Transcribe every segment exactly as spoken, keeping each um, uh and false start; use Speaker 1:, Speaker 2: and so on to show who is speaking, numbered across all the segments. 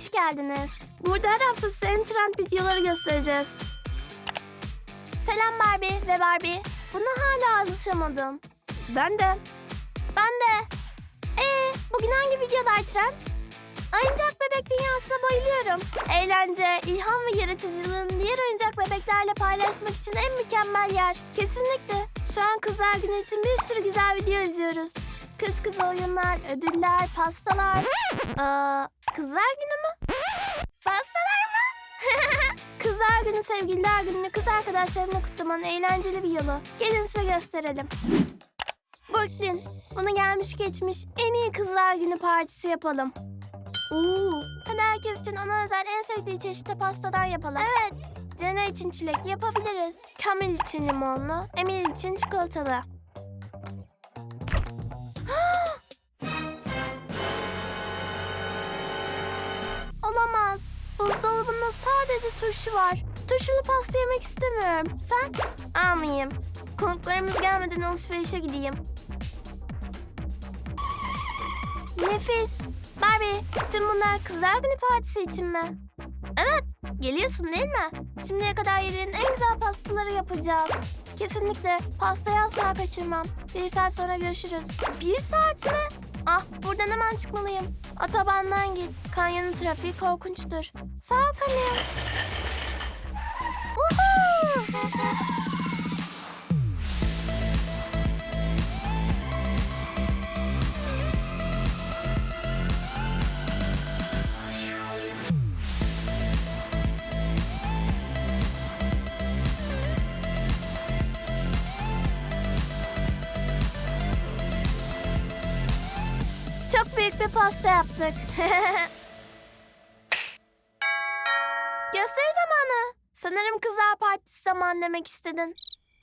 Speaker 1: hoş geldiniz. Burada her hafta size en trend videoları göstereceğiz. Selam Barbie ve Barbie. Buna hala alışamadım. Ben de. Ben de. Ee, bugün hangi videolar trend? Oyuncak bebek dünyasına bayılıyorum. Eğlence, ilham ve yaratıcılığın diğer oyuncak bebeklerle paylaşmak için en mükemmel yer. Kesinlikle. Şu an Kızlar Günü için bir sürü güzel video izliyoruz. Kız kız oyunlar, ödüller, pastalar. Aa, Kızlar Günü mü? Pastalar mı? Kızlar Günü, Sevgililer Günü'nü kız arkadaşlarımla kutlamanın eğlenceli bir yolu. Gelin size gösterelim. Brooklyn, bunu gelmiş geçmiş en iyi Kızlar Günü partisi yapalım. Oo, hadi herkes için ona özel en sevdiği çeşitli pastadan yapalım. Evet, Jenna için çilekli yapabiliriz. Camille için limonlu, Emily için çikolatalı. Olamaz. Buzdolabında sadece turşu var. Turşulu pasta yemek istemiyorum. Sen? Almayayım. Konuklarımız gelmeden alışverişe gideyim. Nefis. Barbie, tüm bunlar Kızlar Günü partisi için mi? Evet, geliyorsun değil mi? Şimdiye kadar yediğin en güzel pastaları yapacağız. Kesinlikle, pastayı asla kaçırmam. Bir saat sonra görüşürüz. Bir saat mi? Ah, buradan hemen çıkmalıyım. Otobandan git. Kanyonun trafiği korkunçtur. Sağ ol Camille. Woohoo! Çok büyük bir pasta yaptık. Gösteri zamanı. Sanırım kızlar partisi zamanı demek istedin.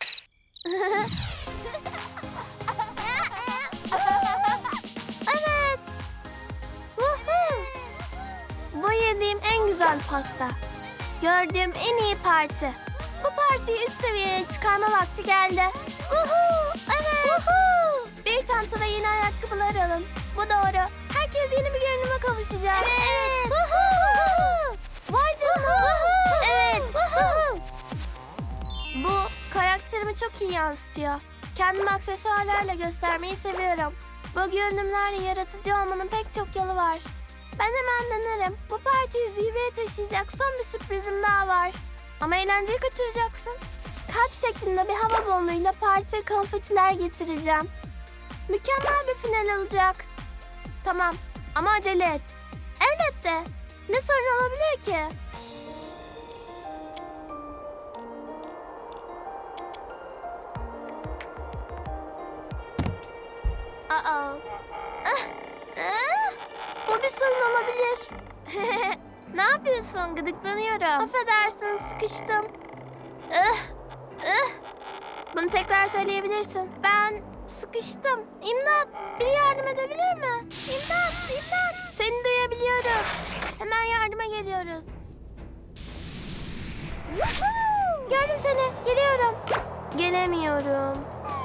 Speaker 1: Evet. Woohoo! Bu yediğim en güzel pasta. Gördüğüm en iyi parti. Bu partiyi üst seviyeye çıkarma vakti geldi. Woohoo! Evet. Woohoo! Bir çantada yeni ayakkabılar alın. Bu doğru. Herkes yeni bir görünüme kavuşacak. Evet. Evet. Woohoo! Vay canına. Evet. Woohoo! Bu karakterimi çok iyi yansıtıyor. Kendimi aksesuarlarla göstermeyi seviyorum. Bu görünümlerle yaratıcı olmanın pek çok yolu var. Ben hemen denerim. Bu partiyi zirveye taşıyacak son bir sürprizim daha var. Ama eğlenceyi kaçıracaksın. Kalp şeklinde bir hava balonuyla partiye konfetiler getireceğim. Mükemmel bir final olacak. Tamam ama acele et. Elbette. Ne sorun olabilir ki? Aa. Ah, ah. Bu bir sorun olabilir. Ne yapıyorsun? Gıdıklanıyorum. Affedersin, sıkıştım. Ah, ah. Bunu tekrar söyleyebilirsin. Ben sıkıştım. İmdat! Biri yardım edebilir mi? İmdat! İmdat! Seni duyabiliyoruz. Hemen yardıma geliyoruz. Gördüm seni. Geliyorum. Gelemiyorum.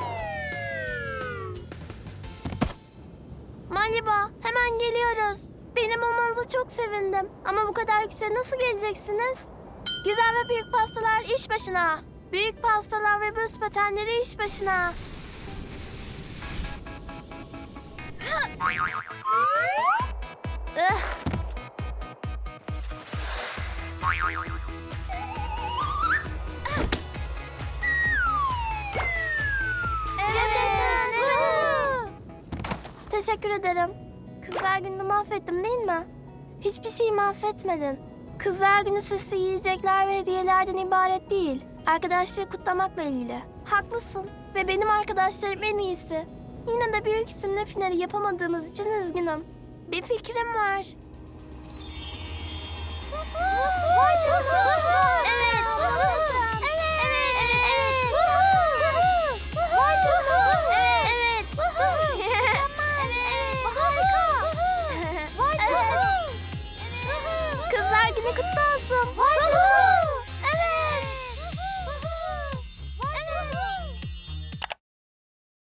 Speaker 1: Malibu, hemen geliyoruz. Benim olmanıza çok sevindim. Ama bu kadar yükseğe nasıl geleceksiniz? Güzel ve büyük pastalar iş başına. Büyük pastalar ve buz patenleri iş başına. Ih. Yaşasın. Teşekkür ederim. Kızlar Günü'nü mahvettim değil mi? Hiçbir şeyi mahvetmedin. Kızlar Günü süslü yiyecekler ve hediyelerden ibaret değil. Arkadaşlığı kutlamakla ilgili. Haklısın ve benim arkadaşlarım en iyisi. Yine de büyük isimle finali yapamadığımız için üzgünüm. Bir fikrim var. Vay canına!